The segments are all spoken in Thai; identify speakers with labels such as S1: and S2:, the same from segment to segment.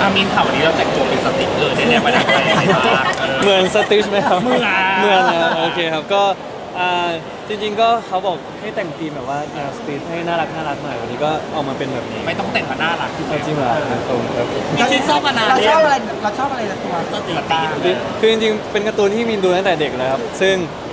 S1: มินข่าววันนี้เราแต่งตัวเป็นสติ๊กเลยเนี่ยประดับใจอะไรบ้าง
S2: เหมือนสติชไหมครับ
S1: เหมือน
S2: นะครับโอเคครับก็จริงๆก็เขาบอกให้แต่งธีมแบบว่าแนวสตรีทให้น่ารักหน่อยวันนี้ก็เอามาเป็นแบบนี้
S1: ไม่ต้องแต่งมาน่ารัก
S2: เอาจริงเหรอครับผมครับ
S1: พี่ชินชอบมานาน
S3: เรา
S1: เนี่
S3: ช
S1: ย
S3: อบอะไรเราชอบอะไรในตัว
S1: สติ๊กบ้าง
S2: คือจริงๆเป็นการ์ตูนที่มีนดูตั้งแต่เด็กแล้วครับซึ่ง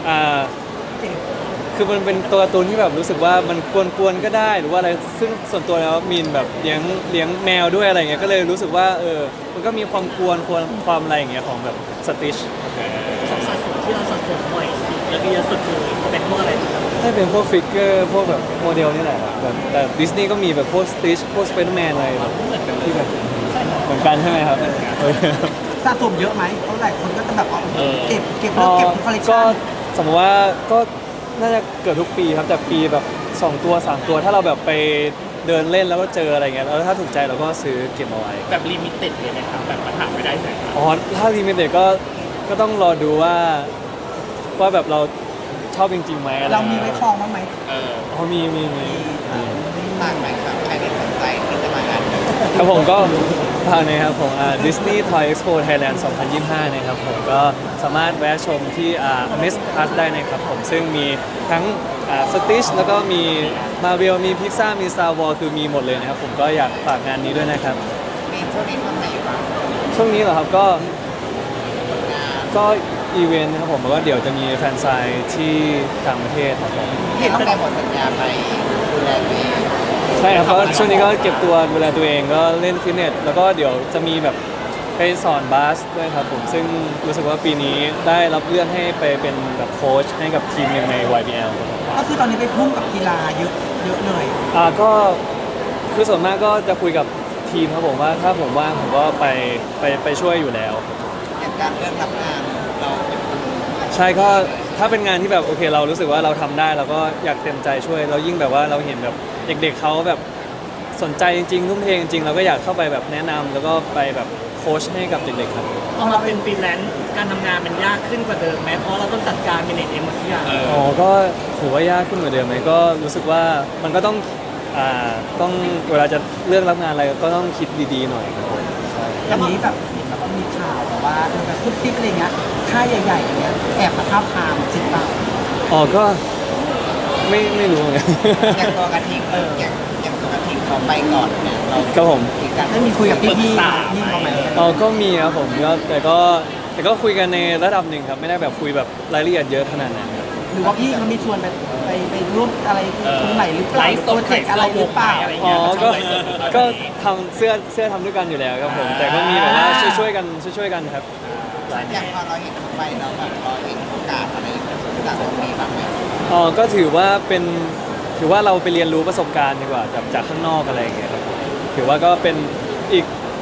S2: คือมันเป็นตัวการ์ตูนที่แบบรู้สึกว่ามันกวนๆก็ได้หรือว่าอะไรซึ่งส่วนตัวแล้วมีนแบบเลี้ยงแมวด้วยอะไรเงี้ยก็เลยรู้สึกว่ามันก็มีความกวนความอะไรอย่างเงี้ยของแบบสติช
S4: ของสัดส่วนที่เราสัดส่วนบ่อยสุดแล้วก็เยอะสุดเลยจะเป็นพวกอะไรครับ
S2: ถ้าเป็นพวกฟิกเกอร์พวกแบบโมเดลนี่แหละครับแบบแต่ดิสนีย์ก็มีแบบพวกสติชพวกสไปเดอร์แมนอะไรแบบที่แบบเหมือนกันใช่ไหมครับ
S3: สะสมเยอะไหมเพราะหลายคนก็จะแบบเอาเก็บแล้วเก็บทุกคอลเลค
S2: ก็
S3: ชั่น
S2: สมมติว่าก็น่าจะเกิดทุกปีครับแต่ปีแบบ2ตัว3ตัวถ้าเราแบบไปเดินเล่นแล้วก็เจออะไรเงี้ยแล้วถ้าถูกใจเราก็ซื้อเก็บเอาไว้
S1: แบบลิมิเต็ดเลยไหมครับแบบมาถามไม่ได้เลยครับ
S2: อ๋อถ้าลิมิเต็ดก็ต้องรอดูว่าแบบเราชอบจริงๆไหมอะไร
S3: เรามีไว้คลองบ้างไหม
S2: อ๋อมี
S3: ต่างไหมครับใครที่สนใจที่จะมางาน
S2: ครับผมก็ฝากนะครับผมDisney Toy Expo Thailand 2025 นะครับผมก็สามารถแวะชมที่Amazed Plus ได้นะครับผมซึ่งมีทั้งStitch แล้วก็มี Marvel มี Pixar มี Star Wars คือมีหมดเลยนะครับผมก็อยากฝากงานนี้ด้วยนะครับ
S3: มีช่วงนี้ทำไหนบ้าง
S2: ช่วงนี้เหรอครับก็อีเวนต์นะครับผมแล้วก็เดี๋ยวจะมีแฟนไซน์ที่ต่างประเทศครับผม
S3: เห็นตั้งแต่หมดสัญญาไปดูแลตัวเอง
S2: ใช่ครับก็ช่วงนี้ก็เก็บตัวดูแลตัวเองก็เล่นฟิตเนสแล้วก็เดี๋ยวจะมีแบบไปสอนบาสด้วยครับผมซึ่งรู้สึกว่าปีนี้ได้รับเลื่อนให้ไปเป็นแบบโค้ชให้กับทีมหนึ่งใน YBL
S3: ก็คือตอนนี้ไปพุ่งกับกีฬาเยอะเลย
S2: ก็คือส่วนมากก็จะคุยกับทีมครับผมว่าถ้าผมว่างผมก็ไปช่วยอยู่แล้ว
S3: อย่างการเลือกรับงานเราเป็นคน
S2: ใช่ก็ถ้าเป็นงานที่แบบโอเคเรารู้สึกว่าเราทำได้เราก็อยากเต็มใจช่วยเรายิ่งแบบว่าเราเห็นแบบเด็กๆเขาแบบสนใจจริงๆทุ่มเทจริงๆเราก็อยากเข้าไปแบบแนะนำแล้วก็ไปแบบโค้ชให้กับเด็กๆครับ
S4: พอเราเป็นฟรีแลนซ์การทำงานมันยากขึ้นกว่าเดิมไหมเพราะเราต้องจัดการเป็นเองหมดทุกอย่าง
S2: อ๋อก็ถือว่ายากขึ้นกว่าเดิมไหมก็รู้สึกว่ามันก็ต้องเวลาจะเลือกรับงานอะไรก็ต้องคิดดีๆหน่อยครับผมใช่
S3: อย่างนี้แบบเห็นแล้วก็มีข่าวแบบว่าแบบทุกทิปอะไรเงี้ยค่ายใหญ่ๆอย่างเงี้ยแอบมาท้าบทามจริงเปล่า
S2: อ๋อก็ไม่รู้เหมือนกัน
S3: อย่างตัวกระทิงอย่างตัวกระทิงเขาไปก่อนเนี่ยเรา
S2: ครับผม
S3: ได้มีคุยกับพี่เขาไหม
S2: อ๋อก็มีครับผมก็แต่ก็คุยกันในระดับหนึ่งครับไม่ได้แบบคุยแบบรายละเอียดเยอะขนาดนั้นครับ
S3: หรือว่าพี่เขามีชวนไปร่วมอะไรตรงไหนหรือเปล่า
S1: ไลฟ์ส
S3: โปร
S1: ด
S3: เจกต์อะไรหรือเปล่า
S1: อะไร
S2: อ๋
S1: เงี้
S2: อย
S1: มันช
S2: ก็
S1: อบไลฟ์สดอยู่ตอนนี้
S2: ก็ทำเสื้อทำด้วยกันอยู่แล้วครับผมแต่ก็มีแบบว่าช่วยๆกันครับ
S3: อย่างพอเราเห็นเขาไปแล้วแบบเราเห็นโอกาสอะไรจากตรงนี้บ้างไหม
S2: อ๋อก็ถือว่าเราไปเรียนรู้ประสบการณ์ดีกว่าจากข้างนอกอะไรอย่างเงี้ยครับถือว่าก็เป็นอีก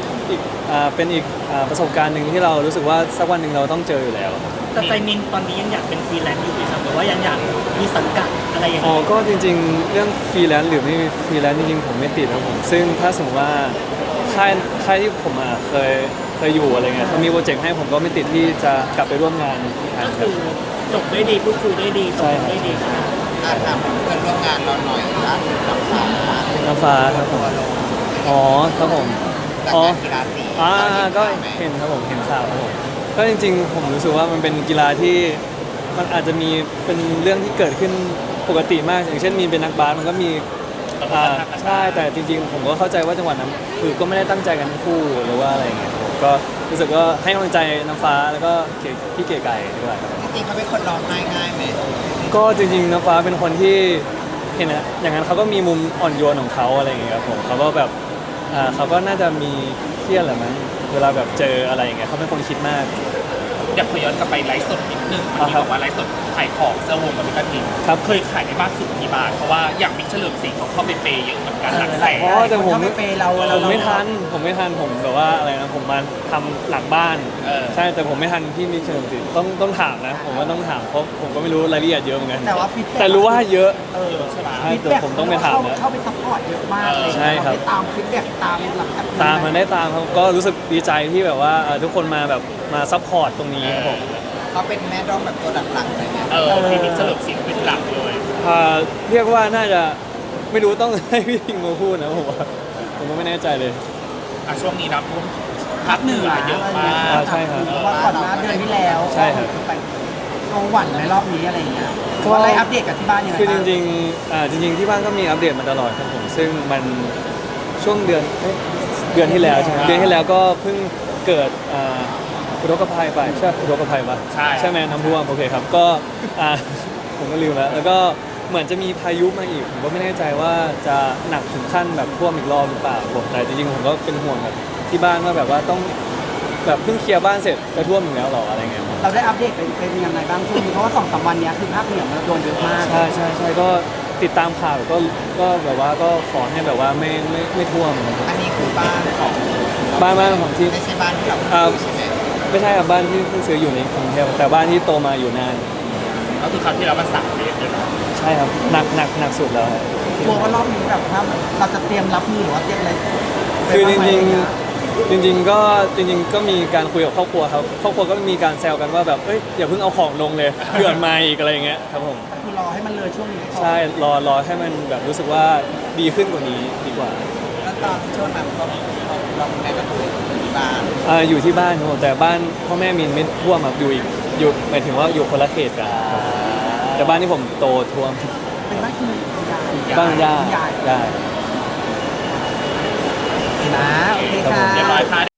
S2: ประสบการณ์หนึ่งที่เรารู้สึกว่าสักวันหนึ่งเราต้องเจออยู่แล้วครับ
S4: แต่ใจมินตอนนี้ยังอยากเป็นฟรีแลนซ์อยู่ไหมครับหรือว่ายังอยากมีสังกัดอะไรอย่าง
S2: อ๋อ
S4: เงี้ย
S2: ก็จริงๆเรื่องฟรีแลนซ์หรือไม่ฟรีแลนซ์จริงๆผมไม่ติดครับผมซึ่งถ้าสมมติว่าค่ายที่ผมเคยอยู่อะไรเงี้ยเขามีโปรเจกต์ให้ผมก็ไม่ติดที่จะกลับไปร่วมงานอีกครั้
S4: ก็
S2: งค
S4: คื
S2: รับ
S4: อจบได้ดีพูดคุยได้ดีตกลงได้ดี
S3: ถามเพื่อนร่วมงานเราหน่อยล่าสุดกับฟ้า
S2: น้ำฟ้าครับผมอ๋อครับผม
S3: จาก
S2: อ๋อ
S3: การกีฬาสี
S2: ก็เห็นครับผมเห็นข่าวครับผมก็จริงๆ ผมรู้สึกว่ามันเป็นกีฬาที่มันอาจจะมีเป็นเรื่องที่เกิดขึ้นปกติมากอย่างเช่นมีเป็นนักบาสมันก็มีใช่แต่จริงๆ ผมก็เข้าใจว่าจังหวะนั้นคือก็ไม่ได้ตั้งใจกันทั้งคู่หรือว่าอะไรอย่างเงี้ยผมก็รู้สึกว่าให้กำลังใจน้ำฟ้าแล้วก็พี่เก๋ไก่ด้วยครับ
S3: จริงๆเขาเป็นคนร้องไห้ง่ายไหม
S2: ก็จริงๆน้ำฟ้าเป็นคนที่เห็นนะอย่างนั้นเขาก็มีมุมอ่อนโยนของเขาอะไรอย่างเงี้ยครับผมเขาก็แบบเขาก็น่าจะมีเครียดแหละมั้งเวลาแบบเจออะไรอย่างเงี้ยเขาเป็นคนคิดมาก
S1: อยากขอย้อนกลับไปไลฟ์สดนิดนึงมันมีบอกว่าไลฟ์สดขายของเสื้อวงกับมิกาทิง
S2: ครับ
S1: เคยขายได้มากสุดกี่บาทเพราะว่าอย่างมิกเฉลิมศรีเขาเข้าไปเปย์เยอะเหมือนกันหลักแสน
S2: อ๋อแต่ผม
S3: เขาไม่เปย์เรา
S2: ผมไม่ทันผมแบบว่าอะไรนะผมมาทำหลังบ้าน ใช่แต่ผมไม่ทันที่มิกเฉลิมศรีต้องถามนะผมว่าต้องถามเพราะผมก็ไม่รู้รายละเอียดเยอะเหมือนกัน
S3: แต่ว่าฟีดแบ็ก
S2: แต่รู้ว่าเยอะ
S1: ใช่ไหม
S2: ใช่แต่ผมต้องไปถามนะ
S3: เข้าไปซัพพอร์ตเยอะมากเลย
S2: ใช่ครับ
S3: เาไปตามฟีดแบ็กตามหลัก
S2: ตามมันได้ตามครับก็รู้สึกดีใจที่แบบว่าทุกคนมาแบบมาซัพพอร์ตตรงนี้ครับผม
S3: เขาเป็นแม่ร้องแบบตัวหลักๆเลยเนี่ย
S1: พี่มิกเฉลิมศรีเป็นหลักเลย
S2: เรียกว่าน่าจะไม่รู้ต้องให้พี่ทิงมาพูดนะผมว่าผมก็ไม่แน่ใจเลย
S1: ช่วงนี้น้ำท่วมภาคเหนือเยอะมาก
S2: ใช่ครับ
S3: เพราะว่าก่อนหน้าเดือนที่แล้ว
S2: ใช่ครับ
S3: ไปโรงหวันในรอบนี้อะไรอย่างเงี้ย
S2: ก็
S3: ก็ได้อัปเดตกับที่บ้านยังไง
S2: คือจ
S3: บ้าง
S2: ริงๆจริงๆที่บ้านก็มีอัปเดตมาตลอดครับผมซึ่งมันช่วงเดือนเดือนที่แล้วใช่ไหมเดือนที่แล้วก็เพิ่งเกิดอุทกภัยไปใช่อุทกภัยปะ
S1: ใช่
S2: ไหมน้ำท่วมโอเคครับก็ผมก็ลืมแล้วก็เหมือนจะมีพายุมาอีกผมก็ไม่แน่ใจว่าจะหนักถึงขั้นแบบท่วมอีกรอบหรือเปล่าผมแต่จริงๆผมก็เป็นห่วงแบบที่บ้านว่าแบบว่าต้องแบบเพิ่งเคลียร์บ้านเสร็จจะท่วมอีกแล้วหรออะไรเงี้ย
S3: เราได้อัปเดตเป็นยังไงบ้างช่วงนี้เพราะว่า2-3 วันเนี้ยคือภาคเหนือมันโดนเยอะมาก
S2: ใช่ก็ติดตามข่าวก็แบบว่าก็ขอให้แบบว่าไม่ท่วมนะครับ
S3: อันนี้คือบ้านของ
S2: บ้านของที่
S3: ไม่ใช่บ้านที่เรา
S2: ใช่ไหมไม่ใช่ครับบ้านที่เพิ่งซื้ออยู่ในกรุงเทพแต่บ้านที่โตมาอยู่นาน
S1: ก็คือคราวที่แล้วมัน3 เมตรเลยนะ
S2: ใช่ครับหนักสุดแล้วครับ
S3: กลัวว่ารอบนี้แบบถ้าเราจะเตรียมรับมือหรือว่าเตรียมอะไร
S2: คือจ
S3: ไปบ้าไหม
S2: ริงๆก็มีการคุยกับครอบครัวครับครอบครัวก็มีการแซวกันว่าแบบเอ้ยอย่าเพิ่งเอาของลงเลยเผื่อมาอีกอะไรอย่างเงี้ยครับผม
S3: คือรอให้มันเลยช่วงนี้ก่อน
S2: ใช่รอให้มันแบบรู้สึกว่าดีขึ้นกว่านี้ดีกว่า
S3: แล้วตอนช่วงนั้นเราแม่ก็คือที่บ้าน
S2: อยู่ที่บ้านครับผมแต่บ้านพ่อแม่มีนไม่ท่วมครับอยู่หมายถึงว่าอยู่คนละเขตกันครับแต่บ้านที่ผมโตท่วม
S3: เป็นบ้านที่ใหญ่
S2: บ้านย่า
S3: ใหญ่
S2: ได้
S3: นะโอเคค่ะ
S1: เรียบร้อยค่ะ